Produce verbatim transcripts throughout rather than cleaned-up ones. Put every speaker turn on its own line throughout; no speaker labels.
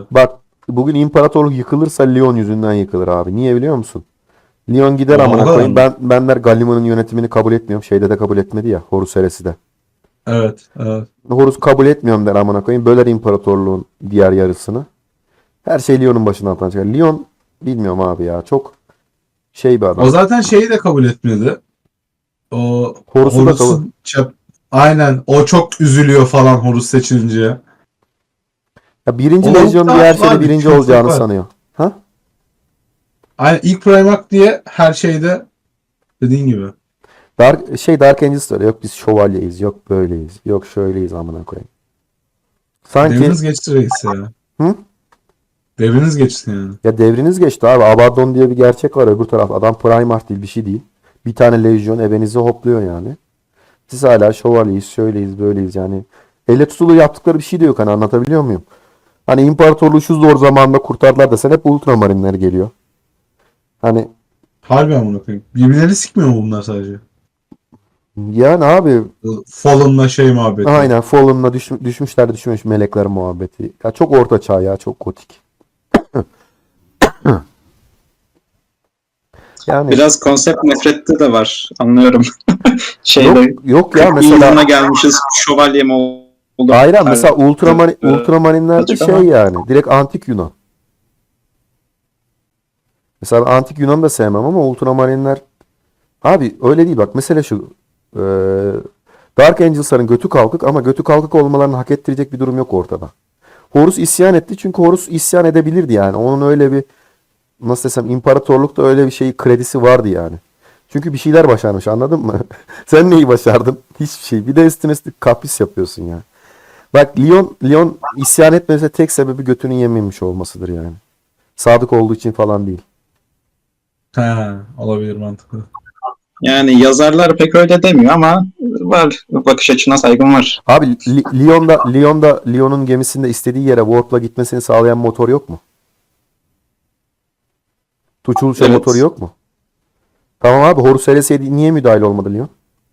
Bak bugün imparatorluk yıkılırsa Lyon yüzünden yıkılır abi. Niye biliyor musun? Lyon gider
Oha, o
amına
kadar
koyayım.
mı?
Ben benler Galliman'ın yönetimini kabul etmiyorum. Şeyde de kabul etmedi ya. Horus Heresi de.
Evet, evet.
Horus kabul etmiyorum der amına koyayım. Böler imparatorluğun diğer yarısını. Her şey Lyon'un başından atlanacak. çıkar. Lyon bilmiyorum abi ya. Çok şey bir
O
adam.
zaten şeyi de kabul etmedi. O
Horus'u da kabul.
Horus'un çap... Aynen, o çok üzülüyor falan Horus seçilince.
Ya birinci
O
Lejyon diye
lavukta
her şeyde
var, bir
birinci
kötülük
olacağını
var.
sanıyor. Ha?
Aynen, ilk Primarch diye her şeyde dediğin gibi.
Dark, şey Dark Angels öyle. Yok biz şövalyeyiz. Yok böyleyiz. Yok şöyleyiz amına koyayım. Sanki
Devriniz geçti reis ya.
hı?
Devriniz geçti yani.
Ya devriniz geçti abi. Abaddon diye bir gerçek var öbür taraf. Adam Primarch değil bir şey değil. Bir tane Lejyon ebenizi hopluyor yani. Siz hala şövalyeyiz, şöyleyiz, böyleyiz yani. Elle tutulu yaptıkları bir şey de yok hani anlatabiliyor muyum? Hani imparatorluğu şu zor zamanda kurtardılar desen hep ultramarinler geliyor. Hani
Harbi amına koyayım. Birbirlerini sikmiyor mu bunlar sadece?
yani abi
O Fallen'la şey muhabbeti.
aynen Fallen'la düş, düşmüşler düşmüş melekler muhabbeti. Ya çok orta çağ ya çok gotik. Yani
Biraz konsept nefrette de var. Anlıyorum.
yok
Şeyde
yok ya
kırk bin yılına
mesela
gelmişiz. Şövalye mi olduk?
aynen mesela
Tarzı
ultramarin, ultramarinlerde
birazcık
şey
ama
yani direkt antik Yunan. Mesela ben antik Yunan da sevmem ama ultramarinler abi öyle değil bak mesela şu e, Dark Angels'ların götü kalkık ama götü kalkık olmalarını hak ettirecek bir durum yok ortada. Horus isyan etti çünkü Horus isyan edebilirdi yani. Onun öyle bir nasıl desem imparatorlukta öyle bir şey kredisi vardı yani. Çünkü bir şeyler başarmış anladın mı? Sen neyi başardın? Hiçbir şey. Bir de üstüne üstlük kapris yapıyorsun ya. Bak Lyon, Lyon isyan etmese tek sebebi götünün yememiş olmasıdır yani. Sadık olduğu için falan değil.
He, olabilir, mantıklı.
yani yazarlar pek öyle demiyor ama var. Bakış açına saygım var.
Abi Li- Lyon'da Lyon'da Lyon'un gemisinde istediği yere warp'la gitmesini sağlayan motor yok mu? Tuçulça motoru
Evet.
yok mu? Tamam abi Horus Heresi'ye niye müdahale olmadı Lyon?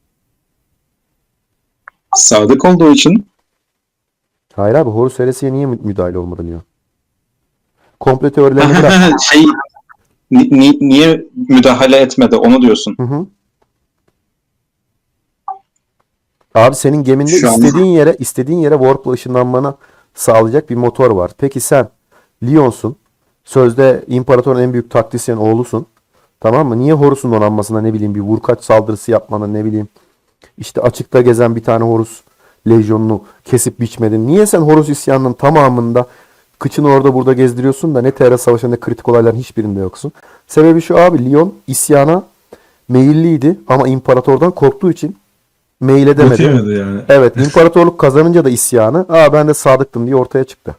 Sadık olduğu için
Hayır abi Horus Heresi'ye niye mü- müdahale olmadı Lyon? Komplo teorilerini bırak.
şey ni- ni- niye müdahale etmedi onu diyorsun.
Hı hı. Abi senin geminde
Şu an
istediğin yere istediğin yere warp'la ışınlanmanı sağlayacak bir motor var. Peki sen Lyon'sun. Sözde imparatorun en büyük taktisyen oğlusun. Tamam mı? Niye Horus'un donanmasına ne bileyim bir vurkaç saldırısı yapmanı ne bileyim işte açıkta gezen bir tane Horus lejyonunu kesip biçmedin. Niye sen Horus isyanının tamamında kıçını orada burada gezdiriyorsun da ne Terra Savaşı'nda ne kritik olayların hiçbirinde yoksun. Sebebi şu abi Lyon isyana meyilliydi ama imparatordan korktuğu için mail
Götü
edemedi.
yemedi yani.
Evet imparatorluk kazanınca da isyanı aa ben de sadıktım diye ortaya çıktı.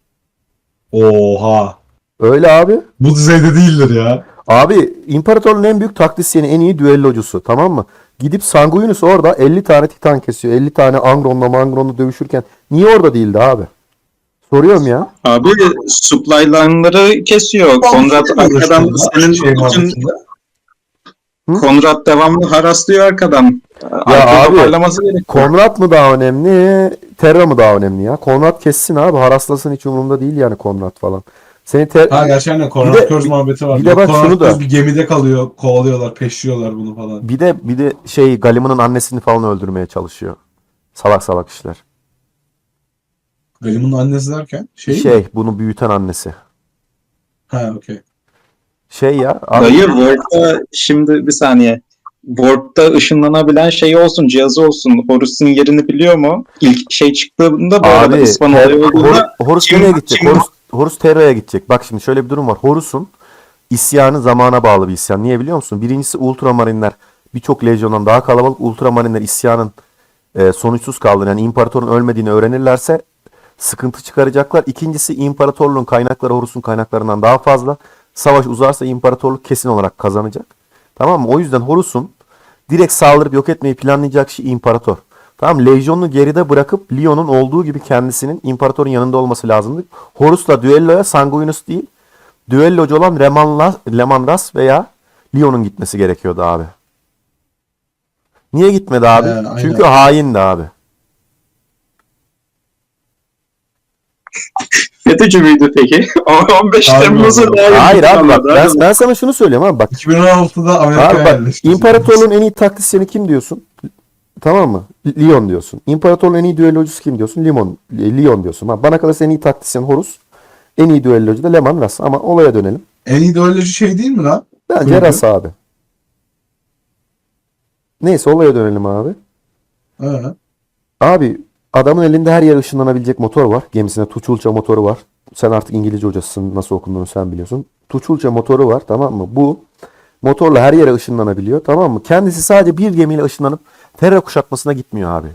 Oha.
Öyle abi.
Bu düzeyde değildir ya.
Abi imparatorluğun en büyük taktisyeni en iyi düellocusu tamam mı? Gidip Sanguinus orada elli tane titan kesiyor. elli tane Angron'la Mangron'la dövüşürken niye orada değildi abi? Soruyorum ya.
abi supply line'ları kesiyor. Konrad arkadan senin
şey
bütün
muhabbetinde.
Hı?
Konrad devamlı haraslıyor arkadan.
Ya
Arkayı
abi
toparlaması gerekiyor.
Konrad mı daha önemli? Terra mı daha önemli ya? Konrad kessin abi. Haraslasın hiç umurumda değil yani Konrad falan. Seni ter...
Ha, gerçekten
Bir
Konrad
de,
Curze
bir,
muhabbeti var.
bir de
Yok,
bak
Konrad
şunu
Curze
da
bir gemide kalıyor. Kovalıyorlar, peşliyorlar bunu falan.
bir de bir de şey Galima'nın annesini falan öldürmeye çalışıyor. Salak salak işler.
Galim'in annesi derken şey mi?
Şey bunu büyüten annesi.
Ha, okey.
Şey ya abi
Dayı Word'da şimdi bir saniye. Word'da ışınlanabilen şey olsun, cihazı olsun. Horus'un yerini biliyor mu? İlk şey çıktığında bu arada
abi
Ispan
ter,
olayı
Hor-
olduğunda
Horus
kim,
nereye gidecek?
kim
Horus Horus Terra'ya gidecek. Bak şimdi şöyle bir durum var. Horus'un isyanı zamana bağlı bir isyan. Niye biliyor musun? Birincisi Ultramarinler birçok lejyondan daha kalabalık. Ultramarinler isyanın e, sonuçsuz kaldığını yani imparatorun ölmediğini öğrenirlerse sıkıntı çıkaracaklar. İkincisi imparatorluğun kaynakları Horus'un kaynaklarından daha fazla. Savaş uzarsa imparatorluk kesin olarak kazanacak. Tamam mı? O yüzden Horus'un direkt saldırıp yok etmeyi planlayacak kişi imparator. Tamam Lejyon'u geride bırakıp Lyon'un olduğu gibi kendisinin imparatorun yanında olması lazımdı. Horus'la düelloya Sanguinus değil, düellocu olan Remanlas, Lemandas veya Lyon'un gitmesi gerekiyordu abi. Niye gitmedi
He,
abi? Çünkü
aynen.
haindi abi.
FETÖ'cü müydü peki? on beş
Hayır,
Temmuz'u
hayır.
daha iyi
Hayır abi bak
hatırlamadı.
ben, ben sana şunu söylüyorum abi bak.
iki bin on altıda Amerika'ya
Abi bak
yerleşti.
imparatorluğun en iyi taktisyeni kim diyorsun? Tamam mı? Leon diyorsun. İmparatorluğun en iyi düellocusu kim diyorsun? Limon, Leon diyorsun. Ha, bana kalırsa en iyi taktisyen Horus. En iyi düellocu da Leman Ras. Ama olaya dönelim.
En ideoloji şey değil mi lan?
Bence
Hı hı.
Ras abi. Neyse olaya dönelim abi.
Ha.
Abi adamın elinde her yere ışınlanabilecek motor var. Gemisinde Tuçulça motoru var. Sen artık İngilizce hocasısın. Nasıl okunduğunu sen biliyorsun. Tuçulça motoru var, tamam mı? Bu motorla her yere ışınlanabiliyor, tamam mı? Kendisi sadece bir gemiyle ışınlanıp Terra kuşatmasına gitmiyor abi.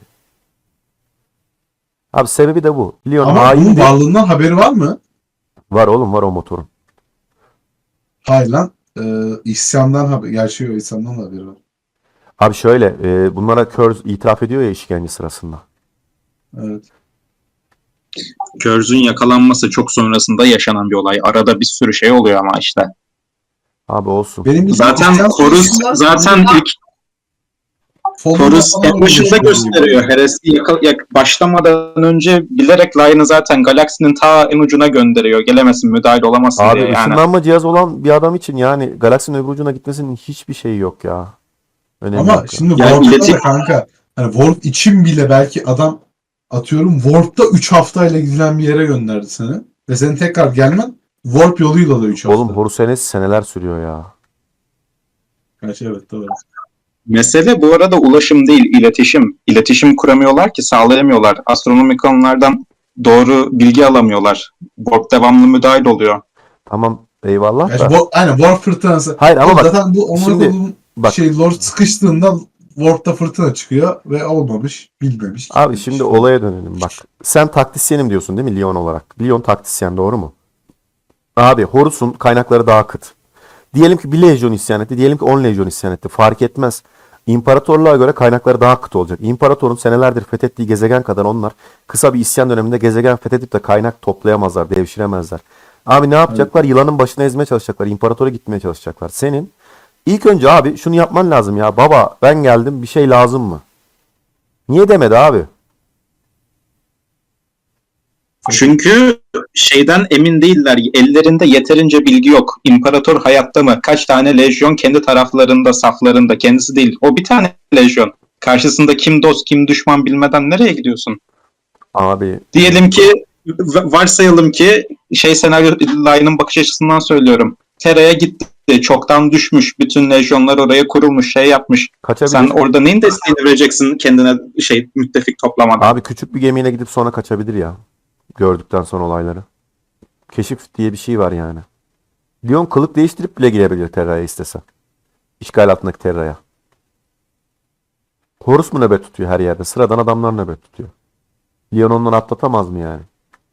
Abi sebebi de bu. Leon
Ama bunun
hain bir-
varlığından haberi var mı?
Var oğlum, var o motorun.
Hayır lan. Ee, isyandan haber. Gerçi o isyandan da haberi var.
Abi şöyle e, bunlara Kurz itiraf ediyor ya işkence sırasında.
Evet.
Körz'ün yakalanması çok sonrasında yaşanan bir olay. Arada bir sürü şey oluyor ama işte.
Abi olsun.
Benim bildiğim
Zaten
isyan
Horus
sırasında-
zaten ilk
Fonunda
Horus
falan
en başında
oluşuyor.
gösteriyor. Heresi yaka- yak- başlamadan önce bilerek Lion'ı zaten galaksinin ta en ucuna gönderiyor. Gelemesin, müdahil olamasın
Abi
diye yani.
ışınlanma cihazı olan bir adam için yani galaksinin öbür ucuna gitmesinin hiçbir şeyi yok ya. Önemi
Ama
yok ya.
şimdi
Yani
Warp'ta
iletim-
da kanka. Hani Warp için bile belki adam atıyorum Warp'ta üç haftayla gidilen bir yere gönderdi seni. Ve senin tekrar gelmen Warp yoluyla da üç hafta.
Oğlum Horus senesi seneler sürüyor ya.
Gerçi evet doğru.
Mesele bu arada ulaşım değil, iletişim. İletişim kuramıyorlar ki, sağlayamıyorlar. Astronomik konulardan doğru bilgi alamıyorlar. Warp devamlı müdahil oluyor.
Tamam eyvallah
Gerçi
da.
bu, aynen Warp fırtınası.
Hayır ama
Oğlum
bak
zaten bu onun
şimdi-
oğlum
bak.
şey Lord sıkıştığında Warp'ta fırtına çıkıyor ve olmamış, bilmemiş.
Abi
gitmemiş.
şimdi olaya dönelim bak. Sen taktisyenim diyorsun değil mi Leon olarak? Leon taktisyen, doğru mu? Abi Horus'un kaynakları daha kıt. Diyelim ki bir lejyon isyan etti. Diyelim ki on lejyon isyan etti. Fark etmez. İmparatorluğa göre kaynakları daha kıt olacak. İmparatorun senelerdir fethettiği gezegen kadar onlar kısa bir isyan döneminde gezegen fethedip de kaynak toplayamazlar, devşiremezler. Abi ne yapacaklar? Yılanın başına ezmeye çalışacaklar. İmparatora gitmeye çalışacaklar. Senin ilk önce abi şunu yapman lazım ya. Baba ben geldim, bir şey lazım mı? Niye demedi abi?
Çünkü şeyden emin değiller. Ellerinde yeterince bilgi yok. İmparator hayatta mı? Kaç tane lejyon kendi taraflarında, saflarında. Kendisi değil. O bir tane lejyon. Karşısında kim dost, kim düşman bilmeden nereye gidiyorsun?
Abi
Diyelim ki, varsayalım ki, şey senaryo line'ın bakış açısından söylüyorum. Terra'ya gitti. Çoktan düşmüş. Bütün lejyonlar oraya kurulmuş. Şey yapmış.
kaçabilir.
Sen orada neyin desteğini vereceksin kendine şey müttefik toplamadan?
Abi küçük bir gemiyle gidip sonra kaçabilir ya. Gördükten sonra olayları. Keşif diye bir şey var yani. Leon kılık değiştirip bile girebilir Terra'ya istese. İşgal altındaki Terra'ya. Horus mu nöbet tutuyor her yerde? Sıradan adamlar nöbet tutuyor. Leon onları atlatamaz mı yani?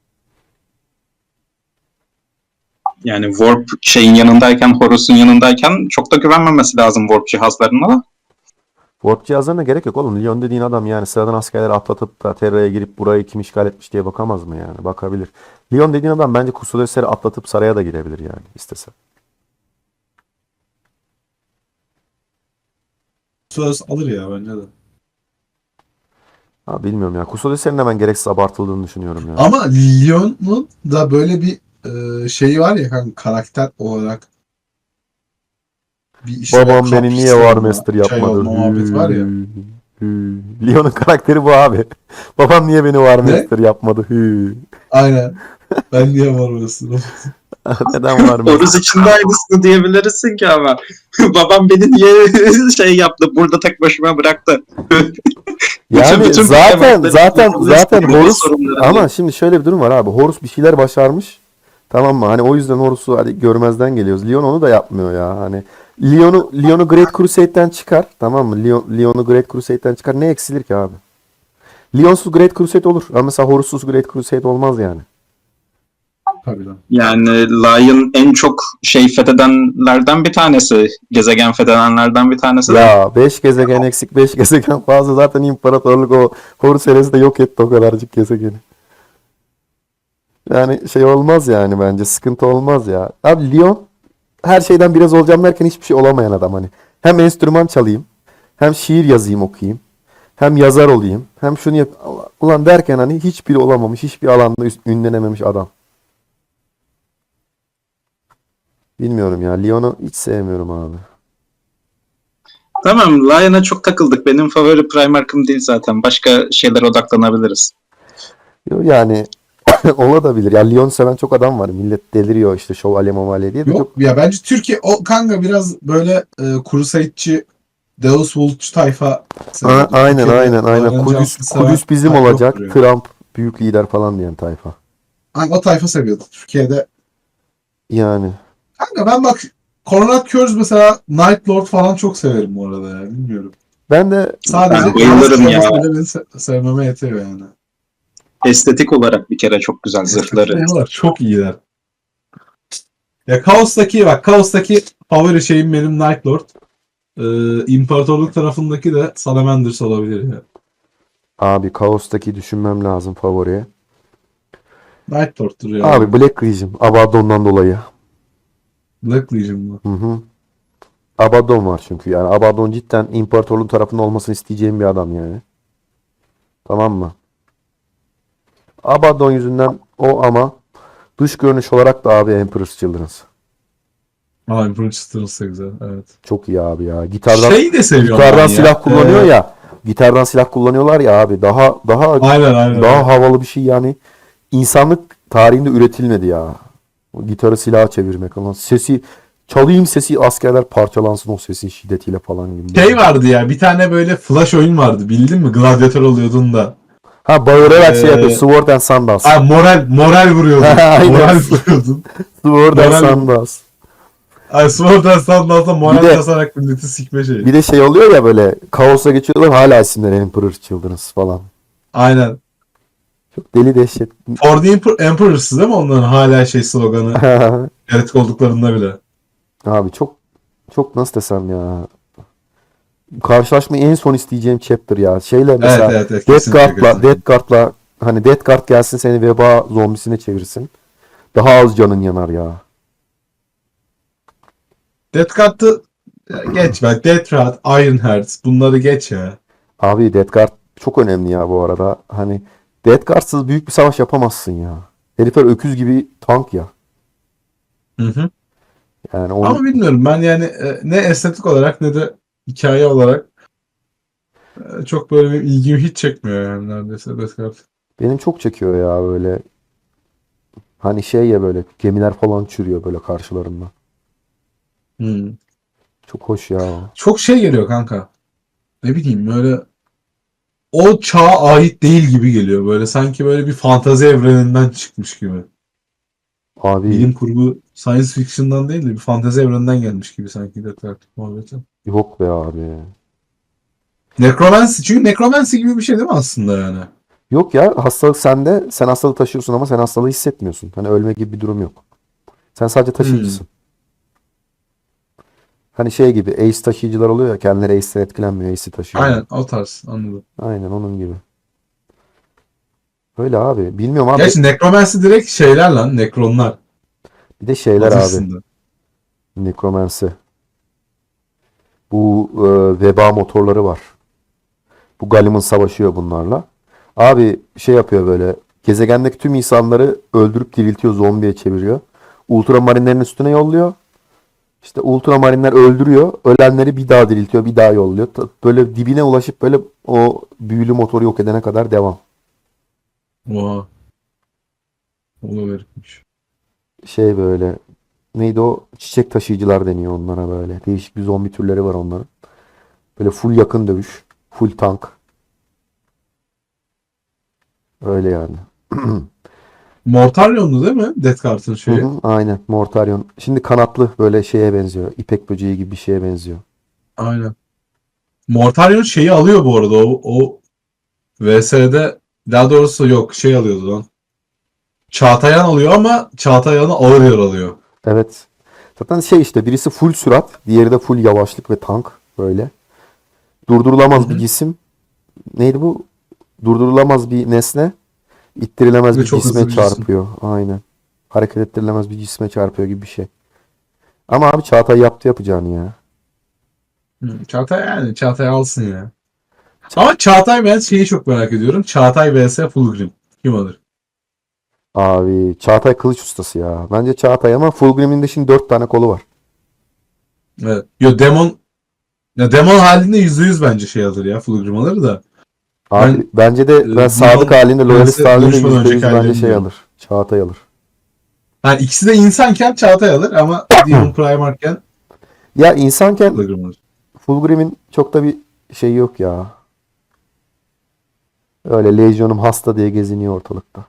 Yani Warp şeyin yanındayken, Horus'un yanındayken çok da güvenmemesi lazım Warp cihazlarına da.
Warp cihazlarına gerek yok oğlum. Leon dediğin adam yani sıradan askerleri atlatıp da Terra'ya girip burayı kim işgal etmiş diye bakamaz mı yani? Bakabilir. Leon dediğin adam bence Custodes'leri atlatıp saraya da girebilir yani istese.
Söz alır ya bence de.
Ha bilmiyorum ya. Custodes'lerin de ben gereksiz abartıldığını düşünüyorum ya.
Ama Leon'un da böyle bir e, şeyi var ya kanka, karakter olarak. Bir işte
Babam
kapris
beni niye
olma,
War Master
şey
yapmadı?
olma muhabbet var ya.
Hü, hü. Leon'un karakteri bu abi. Babam niye beni War
Ne?
Master yapmadı? Hü.
Aynen. Ben niye War Master?
Neden War Master?
Horus için de aynısını diyebilirsin ki ama. Babam beni niye şey yaptı, burada tek başıma bıraktı.
Yani
bütün
zaten
problemleri,
zaten
bütün
zaten
sorunları,
Horus
sorunları
ama
değil.
şimdi şöyle bir durum var abi. Horus bir şeyler başarmış. Tamam mı? Hani o yüzden Horus'u hadi görmezden geliyoruz. Leon onu da yapmıyor ya. Hani Leon'u Leon'u Great Crusade'den çıkar. Tamam mı? Leon, Leon'u Great Crusade'den çıkar. Ne eksilir ki abi? Leon'suz Great Crusade olur. Ama mesela Horus'suz Great Crusade olmaz yani.
Tabii lan.
Yani Lion en çok şey fethedenlerden bir tanesi. Gezegen fethedenlerden bir tanesi. de.
Ya beş gezegen eksik, beş gezegen fazla, zaten imparatorluk o Horus heresi de yok etti o kadarcık gezegeni. Yani şey olmaz yani, bence sıkıntı olmaz ya. Abi Leon her şeyden biraz olacağım derken hiçbir şey olamayan adam hani. Hem enstrüman çalayım, hem şiir yazayım okuyayım, hem yazar olayım, hem şunu yap ulan derken hani hiçbiri olamamış, hiçbir alanda üst- ünlenememiş adam. Bilmiyorum ya. Lyon'u hiç sevmiyorum abi.
Tamam, Lion'a çok takıldık. Benim favori Primark'ım değil zaten. Başka şeylere odaklanabiliriz.
Yo, yani olabilir. Ya Lyon seven çok adam var. Millet deliriyor işte şövalye mamalye diye de çok.
Yok ya, bence Türkiye o kanka biraz böyle e, Crusade'ci, Deus Vult'cu tayfa
A-
seviyor.
aynen
Türkiye'de
aynen aynen.
öğrenci
Kudüs
halkı seven
Kudüs bizim
tayfa
olacak.
yoktur ya.
Trump büyük lider falan diyen tayfa.
Hani o tayfa seviyordu Türkiye'de.
Yani
Kanka ben bak, Coronat Curse mesela Night Lord falan çok severim bu arada ya. Bilmiyorum.
ben de
Sadece
Ben bayılırım
Chaos
ya.
Chaos bile beni se- sevmeme yetiyor yani.
Estetik olarak bir kere çok güzel zırhları.
Estetikleri var. Çok iyiler. Ya Chaos'taki bak, Chaos'taki favori şeyim benim Night Lord. Ee, İmparatorluk tarafındaki de Salamanders olabilir ya.
abi Kaos'taki düşünmem lazım favoriye.
Night Lord'dur ya.
Abi Black Legion. Abaddon'dan dolayı.
Black Legion mu?
Hı hı. Abaddon var çünkü yani. Abaddon cidden imparatorluğun tarafında olmasını isteyeceğim bir adam yani. Tamam mı? Abaddon yüzünden o ama dış görünüş olarak da abi Emperor's Children's.
Aa, Emperor Chister'sı güzel. Evet.
Çok iyi abi ya. Gitardan
Şey de seviyorum
gitardan
ben ya.
silah kullanıyor
Ee,
ya. Gitardan silah kullanıyorlar ya abi. Daha daha
Aynen aynen.
daha
aynen.
havalı bir şey yani. İnsanlık tarihinde üretilmedi ya. O gitarı silaha çevirmek falan. Sesi çalayım sesi askerler parçalansın o sesin şiddetiyle falan gibi.
Şey vardı ya, bir tane böyle flash oyun vardı, bildin mi? Gladyatör oluyordun da.
Ha bağırarak şey yapıyor.
Ee,
Sword and Sandals.
Aa, moral moral vuruyordun.
Aynen.
Moral vuruyordun.
Sword and
moral-
Sandals.
Ay, Sword'dan Sandals'a moral
Bir de-
kasarak milleti sikme şeyi.
Bir de şey oluyor ya böyle kaosa geçiyorlar hala isimleri Emperor Children's falan.
Aynen.
Çok deli dehşet.
For the Emperor, Emperor'sı değil mi onların hala şey sloganı? Yaratık olduklarında bile.
Abi çok çok nasıl desem ya. Karşılaşmayı en son isteyeceğim chapter ya. Şeyle mesela
evet, evet,
Death
kesinlikle,
Guard'la
kesinlikle.
Death Guard'la hani Death Guard gelsin seni veba zombisine çevirsin. Daha az canın yanar ya.
Death Guard'ı geç bak. Death Guard, Ironheart bunları geç ya.
Abi Death Guard çok önemli ya bu arada. Hani Death Guard'sız büyük bir savaş yapamazsın ya. Herifler öküz gibi tank ya.
Hı hı.
Yani onu
Ama bilmiyorum ben yani e, ne estetik olarak ne de hikaye olarak e, çok böyle bir ilgimi hiç çekmiyor yani neredeyse Death Guard.
benim çok çekiyor ya böyle. Hani şey ya böyle gemiler falan çürüyor böyle karşılarında.
Hmm.
Çok hoş ya.
Çok şey geliyor kanka. Ne bileyim böyle o çağa ait değil gibi geliyor. Böyle sanki böyle bir fantazi evreninden çıkmış gibi.
Abi
Bilim kurgu science fiction'dan değil de bir fantazi evreninden gelmiş gibi sanki Death Guard muhabbeti.
yok be abi.
Necromancy, çünkü Necromancy gibi bir şey değil mi aslında yani?
Yok ya hastalık sende. Sen hastalığı taşıyorsun ama sen hastalığı hissetmiyorsun. Hani ölme gibi bir durum yok. Sen sadece taşıyıcısın. Hani şey gibi Ace taşıyıcılar oluyor ya kendileri Ace'den etkilenmiyor. Ace'i taşıyor.
Aynen o tarz, anladım.
Aynen onun gibi. Öyle abi. Bilmiyorum abi.
Gerçi Necromancy direkt şeyler lan, Necronlar.
Bir de şeyler
Adı
abi.
üstünde.
Necromancy. Bu e, veba motorları var. Bu Galim'in savaşıyor bunlarla. Abi şey yapıyor böyle. Gezegendeki tüm insanları öldürüp diriltiyor. Zombiye çeviriyor. Ultramarinlerin üstüne yolluyor. İşte ultramarinler öldürüyor. Ölenleri bir daha diriltiyor. Bir daha yolluyor. Ta- Böyle dibine ulaşıp böyle o büyülü motoru yok edene kadar devam.
Oha. O da garipmiş.
Şey böyle neydi o? Çiçek taşıyıcılar deniyor onlara böyle. Değişik bir zombi türleri var onların. Böyle full yakın dövüş. Full tank. Öyle yani.
Mortarion'du değil mi Death Guard'ın
Hı
şeyi?
hı, aynen. Mortarion. Şimdi kanatlı böyle şeye benziyor. İpek böceği gibi bir şeye benziyor.
Aynen. Mortarion şeyi alıyor bu arada. O, o V S'de daha doğrusu yok şey alıyordu lan. Çağatayan alıyor ama Çağatayan'ı ağır yer alıyor.
Evet. Zaten şey işte birisi full sürat, diğeri de full yavaşlık ve tank böyle. Durdurulamaz
Hı
bir
hı.
cisim. Neydi bu? Durdurulamaz bir nesne, ittirilemez
Ve
bir
çok hızlı
cisme
bir cisim.
çarpıyor. Aynen. Hareket ettirilemez bir cisme çarpıyor gibi bir şey. Ama abi Çağatay yaptı yapacağını ya.
Hı, Çağatay yani Çağatay alsın ya. Ama Çağatay, ben şeyi çok merak ediyorum. Çağatay vs Fulgrim. Kim alır?
Abi Çağatay kılıç ustası ya. Bence Çağatay ama Fulgrim'in de şimdi dört tane kolu var.
Evet. Yo demon ya demon halinde yüzde yüz bence şey alır ya. Fulgrim alır da.
Abi
Ben,
bence de ben
e,
sadık
Demon
halinde, loyalist
Prensi
halinde
dönüşmeden
yüzde yüz
önceki
bence
halini
şey
diyorum.
alır. Çağatay alır.
Yani ikisi de insanken Çağatay alır ama Demon Primarch'ken
Ya insanken
Fulgrim alır.
Fulgrim'in çok da bir şey yok ya. Öyle Legion'um hasta diye geziniyor ortalıkta.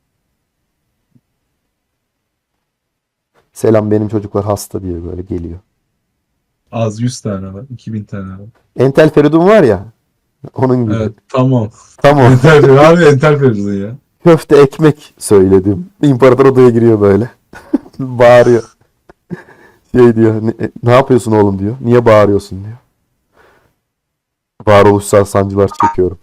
Selam benim çocuklar hasta diye böyle geliyor.
Az yüz tane var. iki bin tane var.
Entel Feridun var ya. Onun gibi.
Evet tamam.
Tamam.
Enter Feridun abi Enter Feridun ya.
Köfte ekmek söyledim. İmparator odaya giriyor böyle. Bağırıyor. Şey diyor. Ne, ne yapıyorsun oğlum diyor. Niye bağırıyorsun diyor. Varoluşsal sancılar çekiyorum.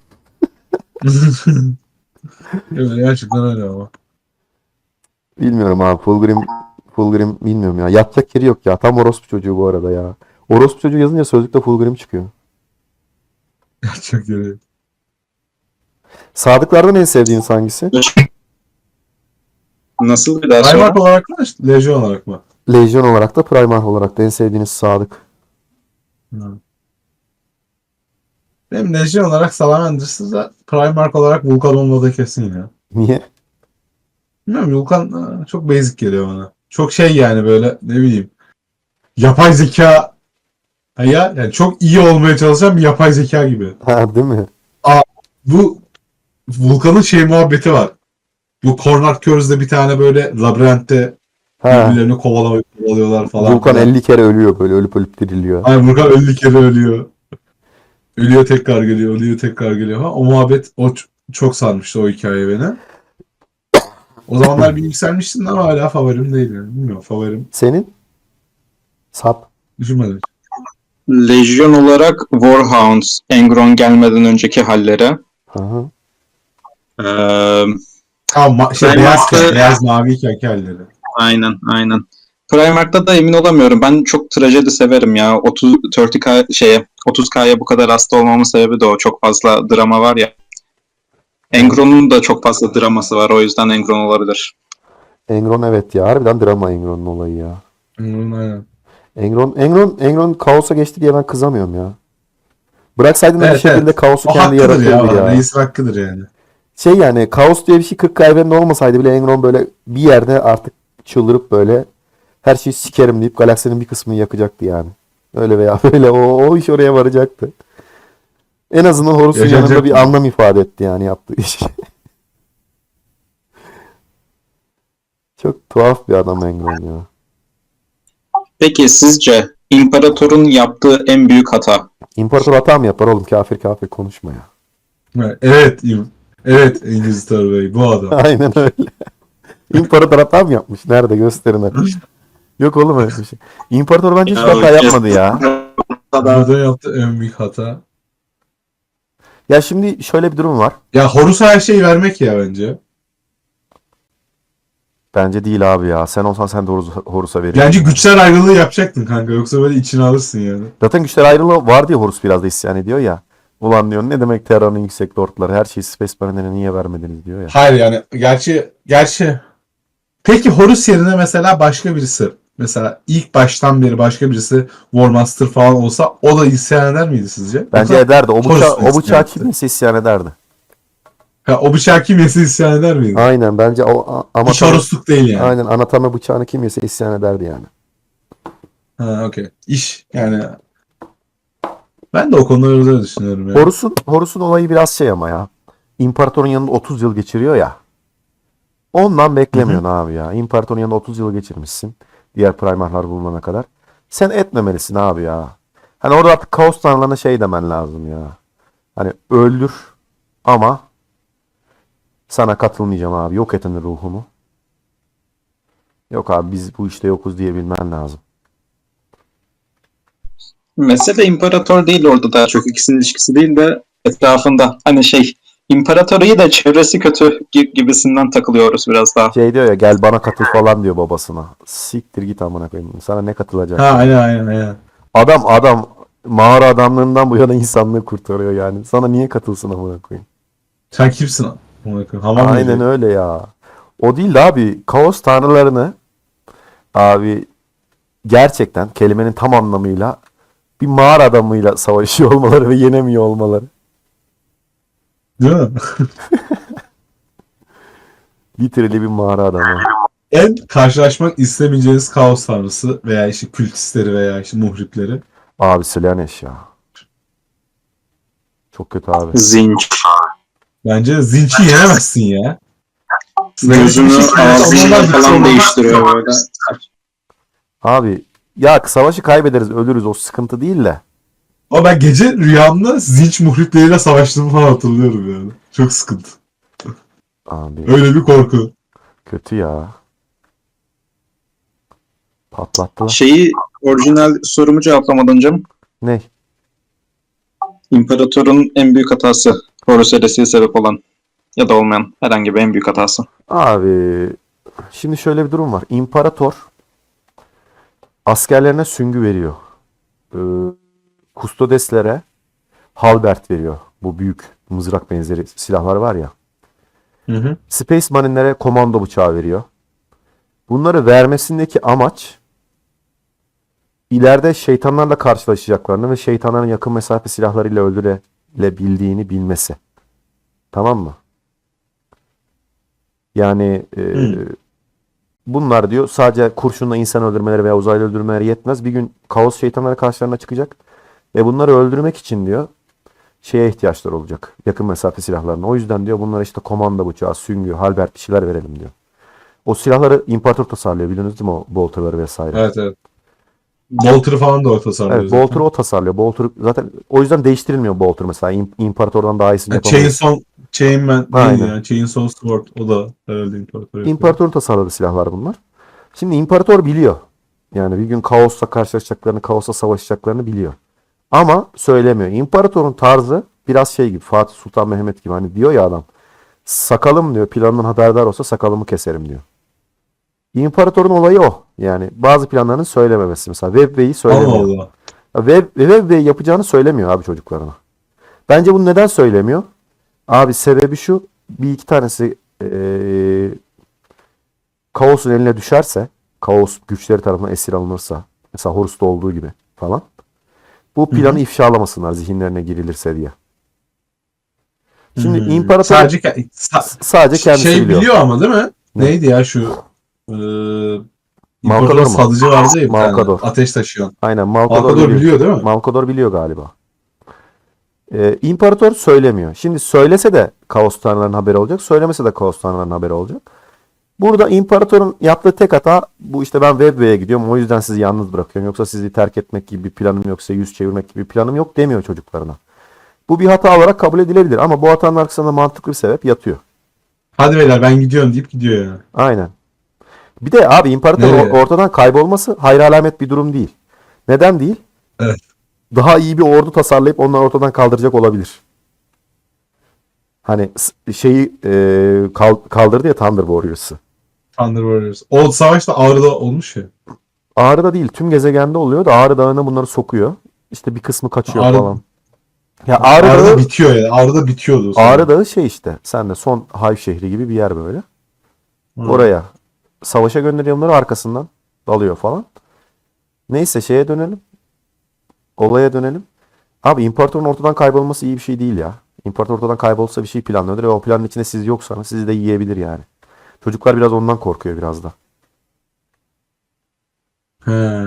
Evet gerçekten öyle ama.
Bilmiyorum abi. Fulgrim Fulgrim bilmiyorum ya. Yatacak yeri yok ya. Tam orospu çocuğu bu arada ya. Orospu çocuğu yazınca sözlükte Fulgrim çıkıyor.
Çok iyi.
Sadıklardan en sevdiğiniz hangisi?
Nasıl bir daha sonra?
Primarch olarak mı? Legion olarak mı?
Legion olarak da Primarch olarak da en sevdiğiniz sadık.
Hı. Benim Legion olarak Salamanders'ı da Primarch olarak Vulkan olmadığı kesin ya.
Niye?
Bilmiyorum Vulkan aa, çok basic geliyor bana. Çok şey yani böyle ne bileyim. Yapay zeka ya yani çok iyi olmaya çalışan bir yapay zeka gibi.
Ha değil mi?
Bu Vulkan'ın şey muhabbeti var. Bu Kornak Körz'de bir tane böyle labirentte
Ha.
birbirlerini kovalay- kovalıyorlar falan.
Vulkan
filan.
elli kere ölüyor böyle ölüp ölüp diriliyor.
Ay Vulkan elli kere ölüyor. Ölüyor tekrar geliyor, ölüyor tekrar geliyor. Ha, o muhabbet o ç- çok sarmıştı o hikaye beni. O zamanlar bir yükselmiştim ama hala favorim değil yani. Bilmiyorum favorim.
Senin? Sap.
Düşünmedim.
Legion olarak Warhounds, Engron gelmeden önceki halleri.
Hı hı.
Ee,
Tamam ma- şey,
Primarch'ta-
beyaz, beyaz mavi kekelleri.
aynen aynen. Primarch'ta da emin olamıyorum. Ben çok trajedi severim ya. otuz otuz K şeye otuz K'ya bu kadar hasta olmamın sebebi de o. Çok fazla drama var ya. Engron'un da çok fazla draması var. O yüzden Engron olabilir.
Engron evet ya. Harbiden drama Engron'un olayı ya.
Hmm, aynen.
Engron, Engron, Engron kaosa geçti diye ben kızamıyorum ya. Bıraksaydın da bir
Evet,
şekilde
evet.
kaosu
O
kendi
hakkıdır ya.
yaratırdı ya.
Reis hakkıdır yani.
Şey yani kaos diye bir şey kırk evreninde olmasaydı bile Engron böyle bir yerde artık çıldırıp böyle her şeyi sikerim deyip galaksinin bir kısmını yakacaktı yani. Öyle veya böyle o, o iş oraya varacaktı. En azından Horus'un
Yaşanacak
yanında bir
mı?
anlam ifade etti yani yaptığı iş. Çok tuhaf bir adam Engron ya.
Peki sizce İmparator'un yaptığı en büyük hata?
İmparator hata mı yapar oğlum? Kafir kafir konuşma ya.
Evet. im- Evet İngilizler Bey bu adam.
Aynen öyle. İmparator hata mı yapmış? Nerede? Gösterin hadi. Yok oğlum öyle bir şey. İmparator bence hiç hata yapmadı ya.
Burada yaptığı en büyük hata.
Ya şimdi şöyle bir durum var.
Ya Horus'a her şeyi vermek ya bence.
Bence değil abi ya. Sen olsan sen de Horus- Horus'a verirdin.
Bence güçler ayrılığı yapacaktın kanka. Yoksa böyle içine alırsın yani.
Zaten güçler ayrılığı var diye Horus biraz da isyan ediyor ya. Ulan diyor ne demek Terra'nın yüksek lordları her şeyi Space Marine'e niye vermediniz diyor ya.
Hayır yani gerçi gerçi peki Horus yerine mesela başka birisi mesela ilk baştan beri başka birisi War Master falan olsa o da isyan eder miydi sizce?
Bence
Yoksa
ederdi. O
Horus
bıçağı,
mu
o
isyan
bıçağı
etti?
kim yese isyan ederdi.
Ha, o bıçağı kim yese isyan eder miydi?
Aynen bence o a-
Hiç
Amatama,
Horusluk değil yani.
aynen Anatama bıçağını kim yese isyan ederdi yani.
Ha okey. İş yani ben de o konuda öyle düşünüyorum yani.
Horus'un Horus'un olayı biraz şey ama ya. İmparatorun yanında otuz yıl geçiriyor ya. Ondan beklemiyorsun abi ya. İmparatorun yanında otuz yıl geçirmişsin. Diğer primarlar bulunana kadar. Sen etmemelisin abi ya. Hani orada artık kaos tanrılarına şey demen lazım ya. Hani öldür ama sana katılmayacağım abi. Yok etin ruhumu. Yok abi biz bu işte yokuz diyebilmen lazım.
Mesele imparator değil orada daha çok ikisinin ilişkisi değil de etrafında. Hani şey İmparator iyi de çevresi kötü gi- gibisinden takılıyoruz biraz daha.
Şey diyor ya gel bana katıl falan diyor babasına. Siktir git amına koyayım. Sana ne katılacak?
Ha aynen aynen aynen.
Adam adam mağara adamlığından bu yana insanlığı kurtarıyor yani. Sana niye katılsın amına koyayım?
Sen kimsin? Amına koyayım? Hamam
Aynen
yedi.
öyle ya. O değil de abi kaos tanrılarını abi gerçekten kelimenin tam anlamıyla bir mağara adamıyla savaşıyor olmaları ve yenemiyor olmaları.
Değil mi?
Literally bir mağara adamı.
En karşılaşmak istemeyeceğiniz kaos tanrısı veya işte kültistleri veya işte muhripleri.
Abi Slanesh ya. Çok kötü abi.
Zinç.
Bence Zinç'i yenemezsin ya.
Gözünü ağzıyla falan değiştiriyor böyle.
Abi ya savaşı kaybederiz ölürüz o sıkıntı değil de.
Ama ben gece rüyamda Zinç muhripleriyle savaştığımı falan hatırlıyorum yani. Çok sıkıntı.
Abi
Öyle bir korku.
kötü ya. Patlattılar.
Şeyi orijinal sorumu cevaplamadan canım.
Ne?
İmparatorun en büyük hatası. Horus heresiye sebep olan ya da olmayan herhangi bir en büyük hatası.
Abi şimdi şöyle bir durum var. İmparator askerlerine süngü veriyor. Ee, kustodeslere halbert veriyor. Bu büyük mızrak benzeri silahlar var ya.
Hı hı.
Space Marine'lere komando bıçağı veriyor. Bunları vermesindeki amaç ileride şeytanlarla karşılaşacaklarını ve şeytanların yakın mesafe silahlarıyla öldürebildiğini bilmesi. Tamam mı? Yani e,
Hı.
bunlar diyor sadece kurşunla insan öldürmeleri veya uzaylı öldürmeleri yetmez. Bir gün kaos şeytanları karşılarına çıkacak ve bunları öldürmek için diyor şeye ihtiyaçları olacak. Yakın mesafe silahlarına. O yüzden diyor bunlara işte komanda bıçağı, süngü, halbert bir şeyler verelim diyor. O silahları imparator tasarlıyor. Biliyorsunuz değil mi o bolterları vesaire?
Evet evet. Bolter'ı falan da o tasarlıyor
Evet,
zaten.
bolter'ı o tasarlıyor. Bolter zaten o yüzden değiştirilmiyor bolter mesela. İm- İmparatordan daha iyisini
Yani
yapamıyor.
Chainsaw, Chainman
Aynen.
değil yani. Chainsaw Sword o da herhalde imparator yapıyor.
İmparatorun tasarladığı silahlar bunlar. Şimdi imparator biliyor. Yani bir gün kaosla karşılaşacaklarını, kaosla savaşacaklarını biliyor. Ama söylemiyor. İmparatorun tarzı biraz şey gibi, Fatih Sultan Mehmet gibi. Hani diyor ya adam, sakalım diyor, planından haberdar olsa sakalımı keserim diyor. İmparatorun olayı o. Yani bazı planlarını söylememesi. Mesela Webway'i
Allah
söylemiyor.
Allah.
Web, Webway yapacağını söylemiyor abi çocuklarına. Bence bunu neden söylemiyor? Abi sebebi şu. Bir iki tanesi eee Kaos'un eline düşerse, Kaos güçleri tarafından esir alınırsa, mesela Horus'ta olduğu gibi falan. Bu planı
Hı hı.
ifşalamasınlar zihinlerine girilirse diye. Şimdi
Hmm.
imparator
Sadece ke- sa-
s- sadece kendisi
şey
biliyor.
biliyor ama değil mi?
Ne?
Neydi ya şu e,
Malkador
İmparator
mu?
salıcı vardı ya bir tane.
Malkador.
Ateş taşıyan.
Aynen Malkador,
Malkador
biliyor.
biliyor değil mi?
Malkador biliyor galiba. Ee, İmparator söylemiyor. Şimdi söylese de Kaos tanrılarının haberi olacak. Söylemese de Kaos tanrılarının haberi olacak. Burada imparatorun yaptığı tek hata bu işte ben Webway'e gidiyorum o yüzden sizi yalnız bırakıyorum. Yoksa sizi terk etmek gibi bir planım yok, size yüz çevirmek gibi bir planım yok demiyor çocuklarına. Bu bir hata olarak kabul edilebilir ama bu hatanın arkasında mantıklı bir sebep yatıyor.
Hadi beyler ben gidiyorum deyip gidiyor yani.
Aynen. Bir de abi imparatorun
Nereye?
ortadan kaybolması hayır alamet bir durum değil. Neden değil?
Evet.
Daha iyi bir ordu tasarlayıp onları ortadan kaldıracak olabilir. Hani s- şeyi e, kal- kaldırdı ya Thunder Warriors'ı.
Thunder Warriors. O savaşta Ağrı'da olmuş ya.
Ağrı'da değil tüm gezegende oluyor da Ağrı Dağı'na bunları sokuyor. İşte bir kısmı kaçıyor
Ağrı,
falan. Ya Ağrı,
Ağrı'da
Dağı,
bitiyor yani. Ağrı'da bitiyordu. sonra.
Ağrı Dağı şey işte sen de son Hive şehri gibi bir yer böyle.
Hı.
Oraya savaşa gönderiyor onları arkasından dalıyor falan. Neyse şeye dönelim. Olaya dönelim. Abi imparatorun ortadan kaybolması iyi bir şey değil ya. İmparator ortadan kaybolsa bir şey planlıyordur ve o planın içinde siz yoksanız sizi de yiyebilir yani. Çocuklar biraz ondan korkuyor biraz da.
He.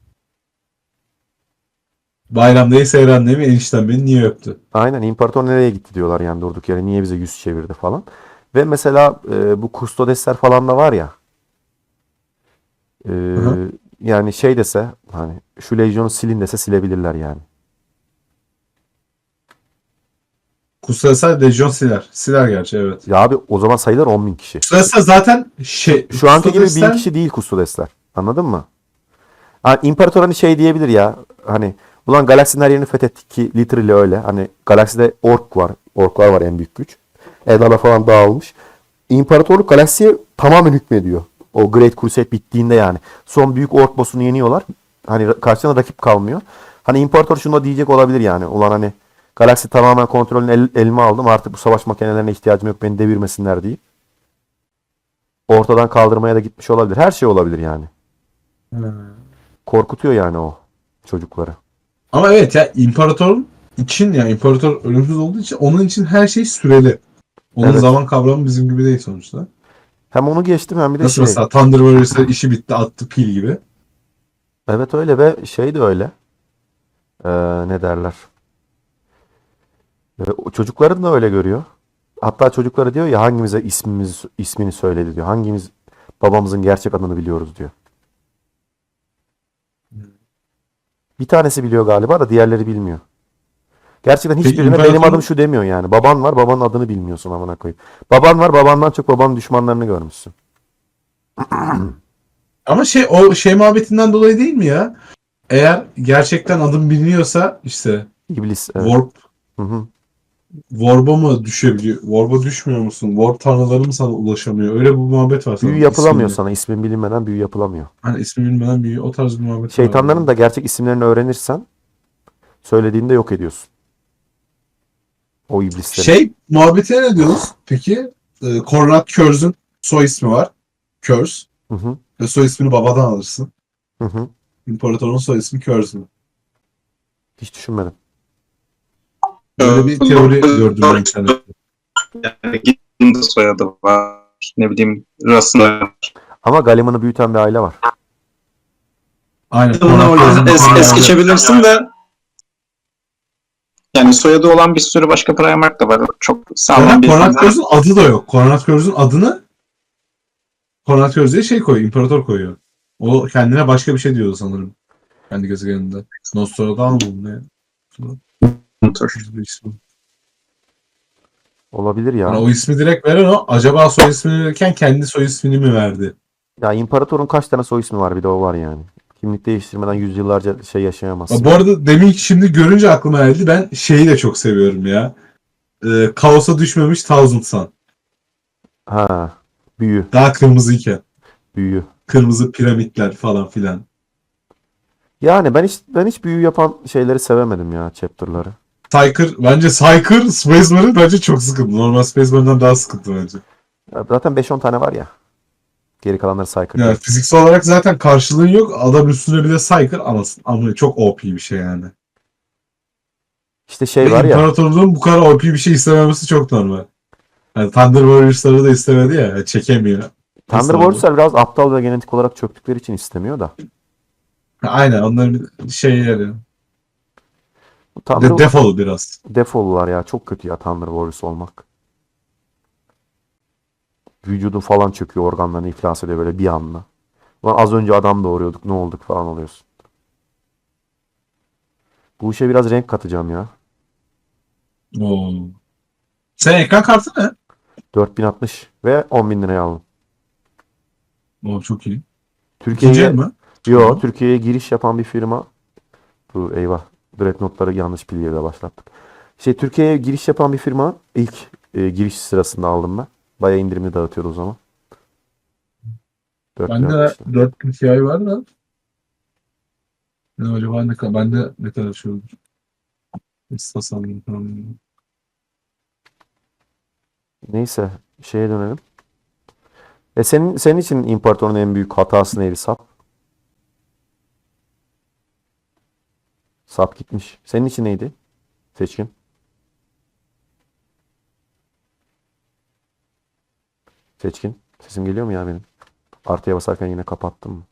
Bayramdayı seyran değil mi? Enişten beni niye öptü?
Aynen imparator nereye gitti diyorlar yani durduk yere niye bize yüz çevirdi falan. Ve mesela e, bu kustodesler falan da var ya. e,
hı.
yani şey dese hani şu lejyonu silin dese silebilirler yani.
Kutsal Lejyon siler. Siler gerçi evet.
Ya abi o zaman sayılar on bin kişi.
Kutsal zaten şey...
Şu anki gibi bin
Kustodes'ten-
kişi değil kustodesler. Anladın mı? Ha, İmparator hani şey diyebilir ya. Hani ulan galaksinin her yerini fethettik ki literally öyle. Hani galakside ork var. Orklar var en büyük güç. Eldala falan dağılmış. İmparatorluk galaksiye tamamen hükmediyor. O Great Crusade bittiğinde yani. Son büyük ork boss'unu yeniyorlar. Hani ra- karşısına rakip kalmıyor. Hani imparator şunu da diyecek olabilir yani. Ulan hani galaksi tamamen kontrolünü el, elime aldım. Artık bu savaş makinelerine ihtiyacım yok. Beni devirmesinler deyip. Ortadan kaldırmaya da gitmiş olabilir. Her şey olabilir yani.
Hı.
Korkutuyor yani o çocukları.
Ama evet ya imparator için ya imparator ölümsüz olduğu için onun için her şey süreli. Onun
Evet.
zaman kavramı bizim gibi değil sonuçta.
Hem onu geçtim hem bir de
Nasıl
şey.
mesela Thunder Warriors'ın işi bitti attı pil gibi.
Evet öyle ve şey de öyle. Ee, ne derler? Ee, o çocukların da öyle görüyor. Hatta çocukları diyor ya hangimize ismimiz ismini söyledi diyor. Hangimiz babamızın gerçek adını biliyoruz diyor. Bir tanesi biliyor galiba da diğerleri bilmiyor. Gerçekten
Peki
hiçbirine benim adım
imparatorun
şu demiyor yani. Baban var, babanın adını bilmiyorsun amına koyayım. Baban var, babandan çok babanın düşmanlarını görmüşsün.
ama şey o şey muhabbetinden dolayı değil mi ya? Eğer gerçekten adım biliniyorsa işte
İblis, evet.
Warp
Hı hı.
Warp'a mı düşebiliyor? Warp'a düşmüyor musun? Warp tanrıları mı sana ulaşamıyor? Öyle bir muhabbet var
Büyü
sanırım
yapılamıyor
ismini.
sana. İsmin bilinmeden büyü yapılamıyor.
Hani ismi bilmeden büyüyor. O tarz bir muhabbet var.
Şeytanların da gerçek isimlerini öğrenirsen söylediğinde yok ediyorsun. O iblisleri.
Şey muhabbetine ne diyorsunuz? Peki e, Konrad Curse'ün soy ismi var. Curse.
Hı hı.
Ve soy ismini babadan alırsın.
Hı hı.
İmparatorun soy ismi Curse mü?
Hiç düşünmedim.
Böyle bir teori gördüm ben internette.
Yani Gittin de soyadı var. Ne bileyim Ras'ın.
Ama Galima'nı büyüten bir aile var.
Aynen.
Bunu
Konrad
oradan
Curse'ün
es, es
paralelde.
geçebilirsin de yani soyadı olan bir sürü başka Primark da var. Çok sağlam
Zaten
bir
Konrad
isim.
Curse'ün adı da yok. Konrad Curse'ün adını Konrad Curse diye şey koyuyor. İmparator koyuyor. O kendine başka bir şey diyordu sanırım. Kendi gezegeninde. Nostradamus mu ne? Bir ismi.
Olabilir
Yani
ya.
o ismi direkt veren o. Acaba soy ismini verirken kendi soy ismini mi verdi?
Ya imparatorun kaç tane soy ismi var bir de o var yani. Kimlik değiştirmeden yüzyıllarca şey yaşayamazsın.
Ya bu arada demin ki şimdi görünce aklıma geldi. Ben şeyi de çok seviyorum ya. Ee, kaosa düşmemiş Thousand Sun.
Ha. Büyü.
Daha kırmızıyken.
Büyü.
Kırmızı piramitler falan filan.
Yani ben hiç ben hiç büyü yapan şeyleri sevemedim ya chapter'ları.
Psyker, bence Psyker, Space Marine bence çok sıkıntı. Normal Space Marine'den daha sıkıntı bence.
Ya zaten beş on tane var ya. Geri kalanları Psyker
Yani
diyor.
fiziksel olarak zaten karşılığın yok. Adam üstüne bir de Psyker anasın. Ama çok O P bir şey yani.
İşte şey
Ve
var ya.
İmparatorluğun bu kadar O P bir şey istememesi çok normal. Yani Thunder Warriors'ları da istemedi ya. Yani çekemiyor.
Thunder
İnsanlar.
Warriors biraz aptal ve genetik olarak çöktükleri için istemiyor da.
Aynen onların bir şeyleri.
Bu
Bir de
Thunder
defolu biraz.
defolular ya. Çok kötü ya Thunder Warriors olmak. Vücudun falan çöküyor, organlarını iflas ediyor böyle bir anda. Ulan az önce adam doğuruyorduk, ne olduk falan oluyorsun. Bu işe biraz renk katacağım ya.
Oo. Sen ekran kartı ne?
dört bin altmış ve on bin liraya aldım.
Oo, çok iyi. İkinci el
Türkiye'ye
mi?
yo Türkiye'ye giriş yapan bir firma. Bu eyvah. Dreadnought'ları yanlış pilliyle başlattık. Şey Türkiye'ye giriş yapan bir firma ilk e, giriş sırasında aldım ben. Bayağı indirimli dağıtıyordu o zaman.
Bende
dört bin altmış lira.
dört bin Ti var da. Ne acaba ne kadar? Bende ne kadar şey olur? İstasyonum falan.
Neyse şeye dönelim. E senin senin için imparatorun en büyük hatası neydi Sap? Sap gitmiş. Senin için neydi? Seçkin. Seçkin. Sesim geliyor mu ya benim? Artıya basarken yine kapattım mı?